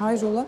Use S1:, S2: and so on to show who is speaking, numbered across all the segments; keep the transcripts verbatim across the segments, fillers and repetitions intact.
S1: Hayrola?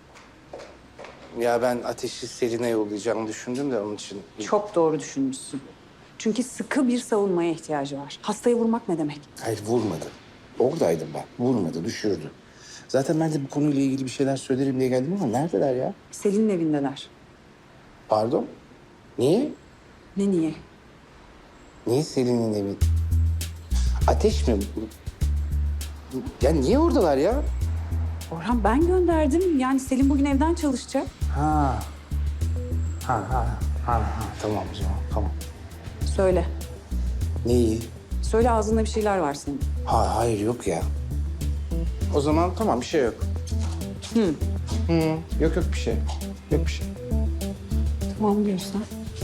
S2: Ya ben Ateş'i Selin'e yollayacağımı düşündüm de onun için.
S1: Çok doğru düşünmüşsün. Çünkü sıkı bir savunmaya ihtiyacı var. Hastaya vurmak ne demek?
S2: Hayır vurmadı. Oradaydım ben. Vurmadı, düşürdü. Zaten ben de bu konuyla ilgili bir şeyler söylerim diye geldim ama neredeler ya?
S1: Selin'in evindeler.
S2: Pardon? Niye?
S1: Ne niye?
S2: Niye Selin'in evi? Ateş mi? Ya niye oradalar ya?
S1: Orhan ben gönderdim. Yani Selin bugün evden çalışacak.
S2: Ha. Ha ha. Ha ha. Tamam o zaman. Tamam.
S1: Söyle.
S2: Neyi?
S1: Söyle ağzında bir şeyler var senin.
S2: Ha, hayır yok ya. O zaman tamam bir şey yok.
S1: Hı.
S2: Hı. Yok yok bir şey. Yok bir şey.
S1: Tamam diyorsan.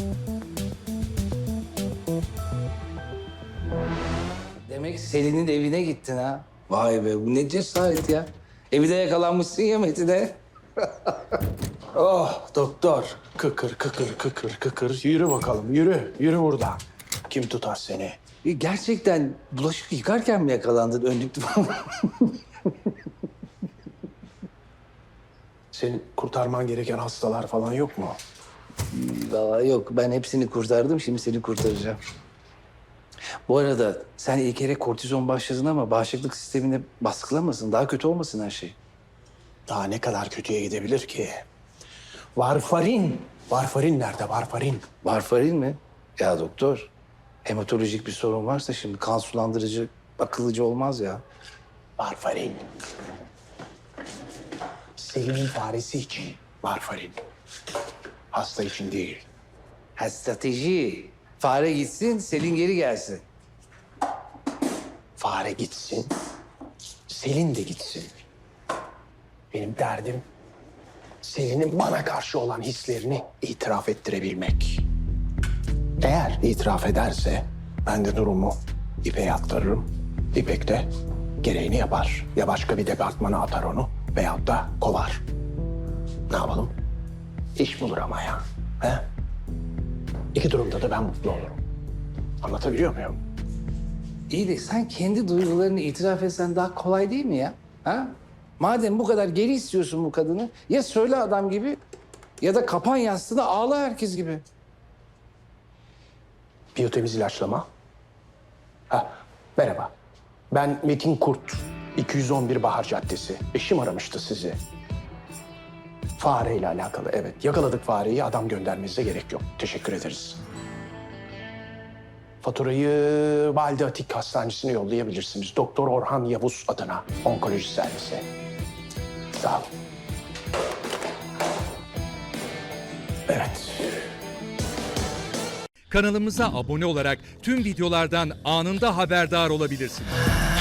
S2: Demek Selin'in evine gittin ha. Vay be bu ne cesaret ya. Evi de yakalanmışsın ya Metin'e.
S3: Oh doktor. Kıkır kıkır kıkır kıkır. Yürü bakalım yürü. Yürü buradan. Kim tutar seni?
S2: E, Gerçekten bulaşık yıkarken mi yakalandın önlüklü falan?
S3: Senin kurtarman gereken hastalar falan yok mu?
S2: Vallahi yok ben hepsini kurtardım şimdi seni kurtaracağım. Bu arada sen ilk kere kortizon başladın ama bağışıklık sistemini baskılamasın. Daha kötü olmasın her şey.
S3: Daha ne kadar kötüye gidebilir ki? Varfarin. Varfarin nerede varfarin?
S2: Varfarin mi? Ya doktor hematolojik bir sorun varsa şimdi kan sulandırıcı akıllıcı olmaz ya.
S3: Varfarin. Selin'in faresi için varfarin. Hasta için değil.
S2: Ha strateji. Fare gitsin, Selin geri gelsin.
S3: Fare gitsin. Selin de gitsin. Benim derdim Selin'in bana karşı olan hislerini itiraf ettirebilmek. Eğer itiraf ederse ben de durumu İpek'e aktarırım. İpek de gereğini yapar. Ya başka bir departmana atar onu veyahut da kovar. Ne yapalım? İş bulur ama ya. He? İki durumda da ben mutlu olurum. Anlatabiliyor muyum?
S2: İyi de sen kendi duygularını itiraf etsen daha kolay değil mi ya? Ha? Madem bu kadar geri istiyorsun bu kadını ya söyle adam gibi ya da kapan yastığına ağla herkes gibi.
S3: Biyotemiz ilaçlama. Ha, merhaba. Ben Metin Kurt. iki yüz on bir Bahar Caddesi. Eşim aramıştı sizi. Fareyle alakalı, evet. Yakaladık fareyi, adam göndermenize gerek yok. Teşekkür ederiz. Faturayı Valide Atik Hastanesi'ne yollayabilirsiniz. Doktor Orhan Yavuz adına, onkoloji servisi. Sağ olun. Evet.
S4: Kanalımıza abone olarak tüm videolardan anında haberdar olabilirsiniz.